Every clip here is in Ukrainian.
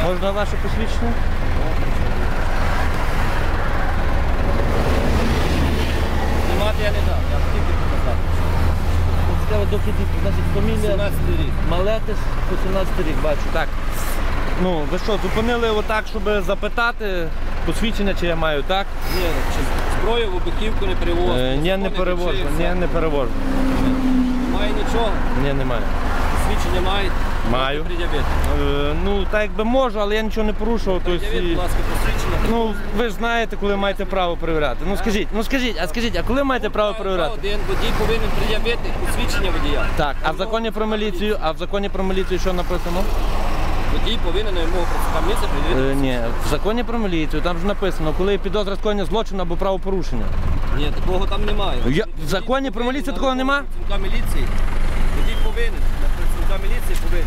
Можна ваше посвідчення? Знімати я не дав, я тільки показав. Цікаво, дохід, значить, фамілія 17 рік. Малетис, 18 рік, бачу. Так. Ну, ви що, зупинили отак, щоб запитати посвідчення, чи я маю, так? Ні, зброю в обиківку не перевозу. Ні, не перевожу. Ні, не перевожу. Немає нічого. Ні, немає. Посвідчення маєте? Маю. Пред'явити. Ну, так якби можу, але я нічого не порушував. Пред'явіть, будь ласка, посвідчення. Ну, ви ж знаєте, коли маєте право перевіряти. Ну, скажіть, а коли маєте право перевіряти? Один водій повинен пред'явити посвідчення водія. Так, а в законі про міліцію що написано? Водій повинен на вимогу працівника місця пред'явити. Ні, в законі про міліцію там ж написано, коли є підозра скоєння злочину або правопорушення. Ні, такого там немає. В законі про міліцію такого нема? Працівника міліції. Водій повинен. На працівника міліції повинен.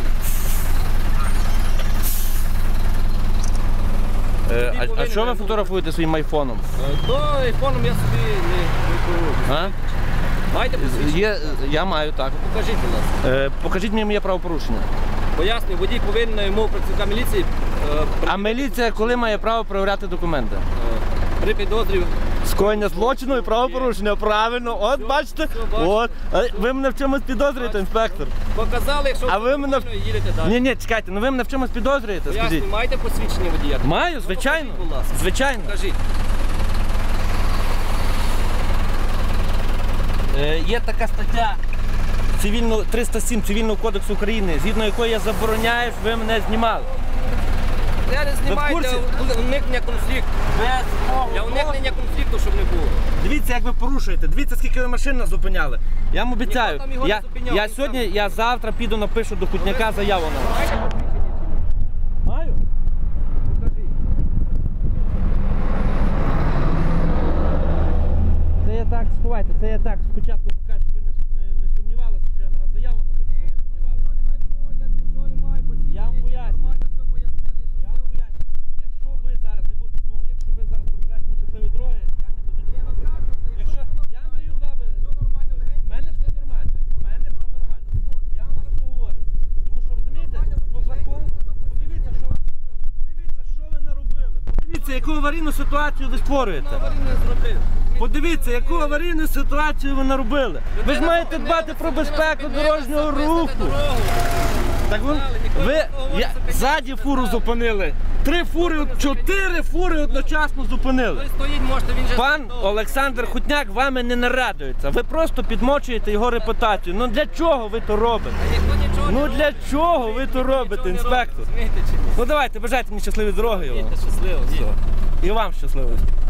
А що ви фотографуєте своїм айфоном? То айфоном я собі не керую. А? Маєте посвідчення? Я маю, так. Покажіть, будь ласка. Покажіть мені моє правопорушення. Пояснюю, водій повинен на вимогу працівника міліції А міліція коли має право перевіряти документи? при підозрі. Скоєння злочину і правопорушення, правильно. От бачите, от. Ви мене в чомусь підозрюєте, інспектор. Показали, якщо А ви мене... їдете далі. Ні, чекайте, ну ви мене в чомусь підозрюєте, скажіть. Пояснюю, маєте посвідчення водія? Маю, звичайно. Покажіть, будь ласка. Звичайно. Покажіть. Є така стаття 307 Цивільного кодексу України, згідно якої я забороняю, щоб ви мене знімали. Я не знімаю для уникнення конфлікту. Для уникнення конфлікту, щоб не було. Дивіться, як ви порушуєте, дивіться, скільки ви машин нас зупиняли. Я вам обіцяю, Ніхто там його не зупиняв, я завтра піду, напишу до Хутняка заяву на вас. Маю? Це я так, сховайте, це я так спочатку покажу, щоб ви не сумнівалися, що я на вас заяву напишу, щоб ви не сумнівалися. Я вам поясню. Якщо ви зараз не будете, якщо ви зараз побажаєте мені щасливі дороги, я не буду нічого. Якщо я вам даю два в мене все нормально. Я вам просто говорю. Тому що розумієте, по закону, подивіться, що ви наробили. Подивіться, що ви наробили. Подивіться, яку аварійну ситуацію ви створюєте. Подивіться, яку аварійну ситуацію ви наробили. Ви ж маєте дбати про безпеку дорожнього руху. Так ви ззаді фуру зупинили. 4 фури одночасно зупинили. Пан Олександр Хутняк вами не нарадується. Ви просто підмочуєте його репутацію. Ну для чого ви то робите? Ну для чого ви то робите, інспектор? Ну давайте, бажайте мені щасливі дороги. Щасливо. І вам щасливо.